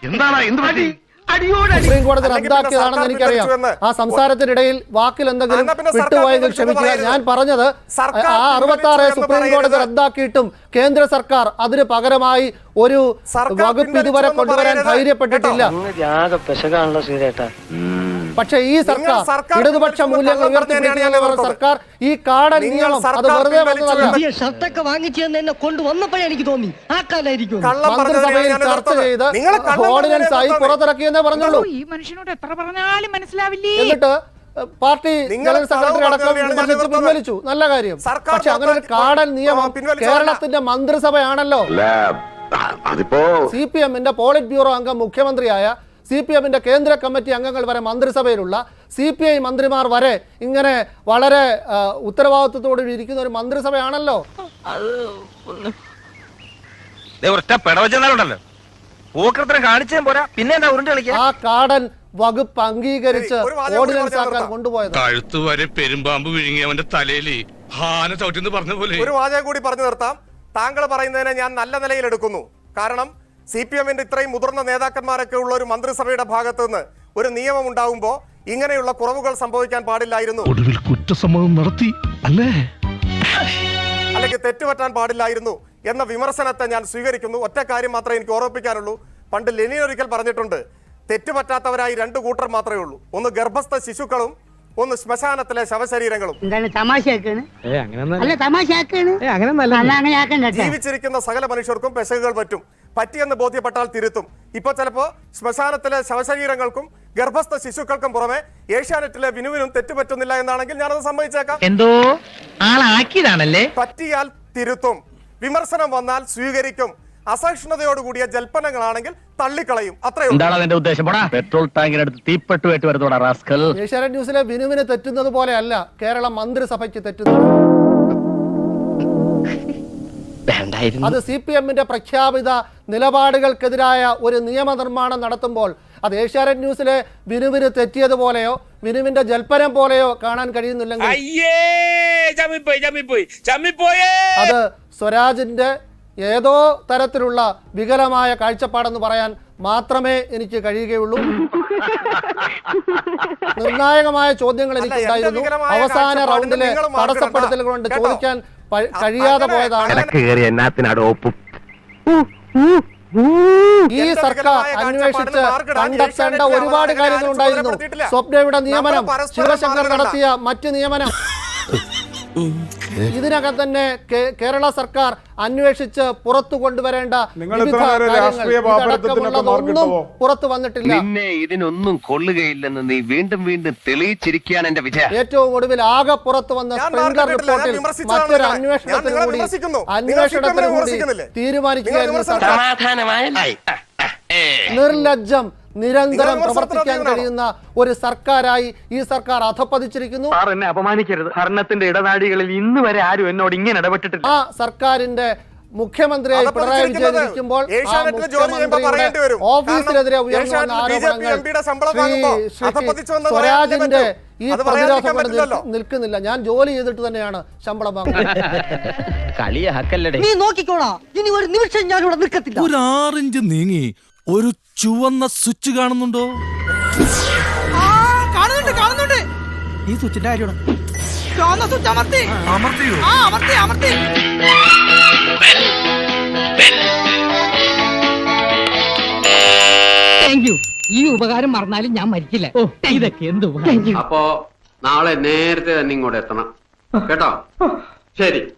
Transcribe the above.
Supreme കോടതി റദ്ദാക്കിയതാണെന്ന് എനിക്കറിയാം. ആ സംസാരത്തിനിടയിൽ വാക്കിൽ എന്തെങ്കിലും വിട്ടുപോയെങ്കിൽ ക്ഷമിക്കുക. ഞാൻ പറഞ്ഞത് ആ 66 സുപ്രീം കോടതി റദ്ദാക്കിയിട്ടും കേന്ദ്ര സർക്കാർ അതിന് പകരമായി ഒരു വകുപ്പ് ഇതുവരെ കൊണ്ടുവരാൻ ധൈര്യപ്പെട്ടിട്ടില്ല. പക്ഷേ ഈ സർക്കാർ ഇടതുപക്ഷ മൂല്യങ്ങൾ ഉയർത്തിപ്പിടിക്കുന്ന സർക്കാർ ഈ കാടൻ നിയമം അത് വെറുതെ വന്നതല്ല. ഷർട്ടൊക്കെ വാങ്ങിച്ചു എന്നെ കൊണ്ടുവന്നപ്പോഴേ എനിക്ക് തോന്നി ആ കാലായിരിക്കും മന്ത്രിസഭയിൽ ചർച്ച ചെയ്ത് ഓർഡിനൻസ് ആയി പുറത്തിറക്കിയെന്നേ പറഞ്ഞുള്ളൂ. ഈ മനുഷ്യനോട് എത്ര പറഞ്ഞാലും മനസ്സിലാവില്ലേ. എന്നിട്ട് പാർട്ടി ജനറൽ സെക്രട്ടറി അടക്കം പിൻവലിച്ചു. നല്ല കാര്യം. പക്ഷെ അങ്ങനെ ഒരു കാടൻ നിയമം കേരളത്തിന്റെ മന്ത്രിസഭയാണല്ലോ. CPM-ന്റെ പോളിറ്റ് ബ്യൂറോ അംഗം മുഖ്യമന്ത്രിയായ, CPM-ന്റെ കേന്ദ്ര കമ്മിറ്റി അംഗങ്ങൾ വരെ മന്ത്രിസഭയിലുള്ള, CPI മന്ത്രിമാർ വരെ ഇങ്ങനെ വളരെ ഉത്തരവാദിത്വത്തോടെ ഇരിക്കുന്ന ഒരു മന്ത്രിസഭയാണല്ലോ. ആ കാടൻ വകുപ്പ് അംഗീകരിച്ച് ഓർഡിനൻസ് ആക്കാൻ കൊണ്ടുപോയത്. കഴുത്ത് വരെ പെരുമ്പാമ്പ് വിഴുങ്ങി അവന്റെ തലയിൽ ഹാന ചവിട്ടിന്ന് പറഞ്ഞ പോലെ. ഒരു വാചകം കൂടി പറഞ്ഞു നിർത്താം. താങ്കൾ പറയുന്നതിനെ ഞാൻ നല്ല നിലയിൽ എടുക്കുന്നു. കാരണം CPM-ന്റെ ഇത്രയും മുതിർന്ന നേതാക്കന്മാരൊക്കെ ഉള്ള ഒരു മന്ത്രിസഭയുടെ ഭാഗത്ത് നിന്ന് ഒരു നിയമം ഉണ്ടാവുമ്പോൾ ഇങ്ങനെയുള്ള കുറവുകൾ സംഭവിക്കാൻ പാടില്ലായിരുന്നു, ഒടുവിൽ കുറ്റസമ്മതം നടത്തി അല്ലേ, അല്ലെങ്കിൽ തെറ്റുപറ്റാൻ പാടില്ലായിരുന്നു എന്ന വിമർശനത്തെ ഞാൻ സ്വീകരിക്കുന്നു. ഒറ്റ കാര്യം മാത്രമേ എനിക്ക് ഓർമ്മിപ്പിക്കാനുള്ളൂ. പണ്ട് ലെനിൻ ഒരിക്കൽ പറഞ്ഞിട്ടുണ്ട്, തെറ്റുപറ്റാത്തവരായി 2 കൂട്ടർ മാത്രമേ ഉള്ളൂ. ഒന്ന് ഗർഭസ്ഥ ശിശുക്കളും, ഒന്ന് ശ്മശാനത്തിലെ ശവശരീരങ്ങളും. ജീവിച്ചിരിക്കുന്ന സകല മനുഷ്യർക്കും പെശകുകൾ പറ്റിയെന്ന് ബോധ്യപ്പെട്ടാൽ തിരുത്തും. ഇപ്പൊ ചിലപ്പോ ശ്മശാനത്തിലെ ശവശരീരങ്ങൾക്കും ഗർഭസ്ഥ ശിശുക്കൾക്കും പുറമെ ഏഷ്യാനെറ്റിലെ വിനുവിനും തെറ്റുപറ്റുന്നില്ല എന്നാണെങ്കിൽ ഞാനത് സമ്മതിച്ചേക്കാം. എന്തോ ആളാക്കിയതാണല്ലേ. പറ്റിയാൽ തിരുത്തും, വിമർശനം വന്നാൽ സ്വീകരിക്കും. അസഹിഷ്ണുതയോടുകൂടിയ ജൽപ്പനങ്ങളാണെങ്കിൽ തള്ളിക്കളയും. അത്രയും. പെട്രോൾ ടാങ്കിനടുത്ത് തീപ്പെട്ടുവേറ്റ് വരുന്നോടാ റാസ്കൽ. ഏഷ്യാനെറ്റ് ന്യൂസിലെ വിനുവിന് തെറ്റുന്നത് പോലെയല്ല കേരള മന്ത്രിസഭയ്ക്ക് തെറ്റുന്നത്. അത് CPM-ന്റെ പ്രഖ്യാപിത നിലപാടുകൾക്കെതിരായ ഒരു നിയമനിർമ്മാണം നടത്തുമ്പോൾ അത് ഏഷ്യാനെറ്റ് ന്യൂസിലെ വിനുവിന് തെറ്റിയതുപോലെയോ വിനുവിന്റെ ജൽപ്പനം പോലെയോ കാണാൻ കഴിയുന്നില്ലെങ്കിൽ അത് സ്വരാജിന്റെ ഏതോ തരത്തിലുള്ള വികലമായ കാഴ്ചപ്പാടെന്ന് പറയാൻ മാത്രമേ എനിക്ക് കഴിയുകയുള്ളൂ. നിർണായകമായ ചോദ്യങ്ങൾ എനിക്കുണ്ടായിരുന്നു. അവസാന റൗണ്ടിലെ തടസ്സപ്പെടുത്തലുകൾ കൊണ്ട് ചോദിക്കാൻ കഴിയാതെ പോയതാണ്. ഈ സർക്കാർ അന്വേഷിച്ച് കണ്ടെത്തേണ്ട ഒരുപാട് കാര്യങ്ങളുണ്ടായിരുന്നു. സ്വപ്നയുടെ നിയമനം, ശിവശങ്കർ നടത്തിയ മറ്റ് നിയമനം, ഇതിനകം തന്നെ കേരള സർക്കാർ അന്വേഷിച്ച് പുറത്തു കൊണ്ടുവരേണ്ട ഒന്നും പുറത്തു വന്നിട്ടില്ല. ഇതിനൊന്നും കൊള്ളുകയില്ലെന്ന് നീ വീണ്ടും വീണ്ടും തെളിയിച്ചിരിക്കുകയാണ് എന്റെ വിജയം. ഏറ്റവും ഒടുവിൽ ആകെ പുറത്തു വന്ന സ്പ്രിംഗ്ലർ റിപ്പോർട്ടിൽ മറ്റൊരു അന്വേഷണത്തിന് കൂടി തീരുമാനിക്കുകയായിരുന്നു സർക്കാർ. നിർലജ്ജം നിരന്തരം പ്രവർത്തിക്കാൻ കഴിയുന്ന ഒരു സർക്കാരായി ഈ സർക്കാർ അധപ്പതിച്ചിരിക്കുന്നു. എന്നെ അപമാനിക്കരുത്. ഭരണത്തിന്റെ ഇടനാഴികളിൽ ഇന്ന് വരെ ആരും എന്നോട് ഇങ്ങനെ ഇടപെട്ടിട്ടില്ല. ആ സർക്കാരിന്റെ മുഖ്യമന്ത്രിയായി പിണറായി വിജയൻ ഇരിക്കുമ്പോൾ ഓഫീസിനെതിരെ ഉയർന്നു വന്ന ആരോപണങ്ങൾ സ്വരാജിന്റെ ഈ പ്രതിരോധം നിൽക്കുന്നില്ല. ഞാൻ ജോലി ചെയ്തിട്ട് തന്നെയാണ് ശമ്പളം വാങ്ങുന്നത്. നീ നോക്കിക്കോളാ, ഇനി ഒരു നിമിഷം ഞാൻ ഇവിടെ നിൽക്കത്തില്ല. ഒരു 6 ഇഞ്ച് നീങ്ങി ഒരു ചുവന്ന സ്വിച്ച് കാണുന്നുണ്ടോ? കാണുന്നുണ്ട്. ഈ സ്വിച്ചിന്റെ കാര്യമാണ്. ഈ ഉപകാരം മറന്നാലും ഞാൻ മരിക്കില്ല. ഇതൊക്കെ എന്ത്. അപ്പോ നാളെ നേരത്തെ തന്നെ ഇങ്ങോട്ട് എത്തണം കേട്ടോ. ശരി.